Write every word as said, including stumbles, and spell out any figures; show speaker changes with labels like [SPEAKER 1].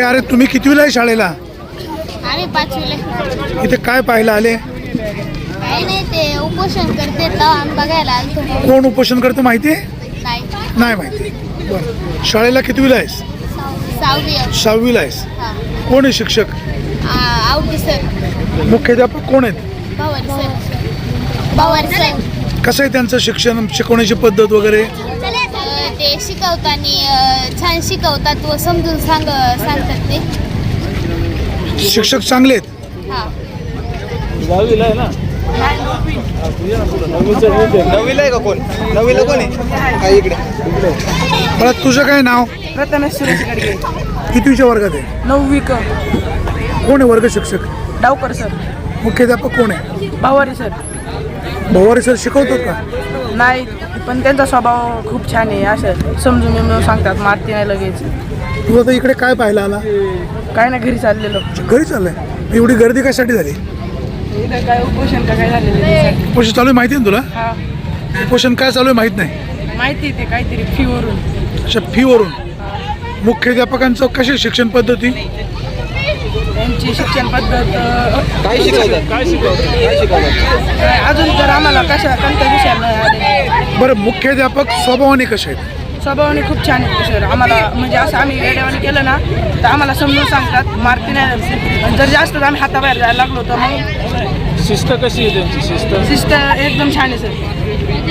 [SPEAKER 1] अरे तुम्ही कितवीला आहे शाळेला?
[SPEAKER 2] आम्ही पाचवीला.
[SPEAKER 1] इथे काय पाहायला आले?
[SPEAKER 2] काही नाही, ते उपोषण करते तर आम्ही बघायला आलतो.
[SPEAKER 1] कोण उपोषण करतं माहिती आहे?
[SPEAKER 2] नाही.
[SPEAKER 1] नाही माहिती. बरं, शाळेला कितवीला आहेस?
[SPEAKER 2] सहावी.
[SPEAKER 1] सहावीला आहेस.
[SPEAKER 2] हां.
[SPEAKER 1] कोण आहे शिक्षक?
[SPEAKER 2] आवडी सर.
[SPEAKER 1] मुख्याध्यापक कोण आहेत?
[SPEAKER 2] पवार सर. पवार सर.
[SPEAKER 1] कसं आहे त्यांचं शिक्षण, शिकवण्याची पद्धत वगैरे?
[SPEAKER 2] ते शिकवताना छान शिकवतात व समजून सांग सांगतात ते.
[SPEAKER 1] शिक्षक चांगले आहेत.
[SPEAKER 2] हां.
[SPEAKER 3] दहावीला आहे ना? नववीला आहे का कोण? नववीला कोण आहे? हा इकडे.
[SPEAKER 1] मला तुझं काय नाव?
[SPEAKER 4] प्रथमेश सुरेश गडगे.
[SPEAKER 1] कितवीच्या वर्गात आहे?
[SPEAKER 4] नववी क.
[SPEAKER 1] कोण आहे वर्ग शिक्षक?
[SPEAKER 4] डावकर सर.
[SPEAKER 1] मुख्याध्यापक कोण आहे?
[SPEAKER 4] भावारी सर.
[SPEAKER 1] भवारी सर शिकवतात का?
[SPEAKER 4] नाही, पण त्यांचा स्वभाव खूप छान आहे. असं समजून समजून सांगतात, मारती नाही लगेच.
[SPEAKER 1] तू आता इकडे काय पाहायला आला?
[SPEAKER 4] काय ना घरी चाललेलो.
[SPEAKER 1] घरी चाललंय? एवढी गर्दी कशासाठी झाली?
[SPEAKER 4] इथं काय उपोषण का काय झालेलं?
[SPEAKER 1] उपोषण चालू आहे माहिती आहे ना तुला?
[SPEAKER 4] हा,
[SPEAKER 1] उपोषण काय चालू आहे माहित नाही?
[SPEAKER 4] माहिती ते काहीतरी फीवरून.
[SPEAKER 1] अच्छा, फीवरून. मुख्याध्यापकांचं कशी शिक्षण पद्धती?
[SPEAKER 4] त्यांची शिक्षण पद्धत अ,
[SPEAKER 3] काय शिकवतात? काय शिकवतात? काय शिकवतात?
[SPEAKER 4] काय अजून तर आम्हाला कशा कोणत्या विषयाला आले.
[SPEAKER 1] बरं, मुख्याध्यापक स्वभावाने कसे आहेत?
[SPEAKER 4] स्वभावाने खूप छान आहेत सर. आम्हाला म्हणजे असं आम्ही वेळेवाने केलं ना तर आम्हाला समजून सांगतात, मारती नाही. जर जास्त आम्ही हाताबाहेर जायला लागलो तर मग
[SPEAKER 3] शिस्त कशी आहे त्यांची? शिस्त
[SPEAKER 4] शिस्त एकदम छान आहे सर.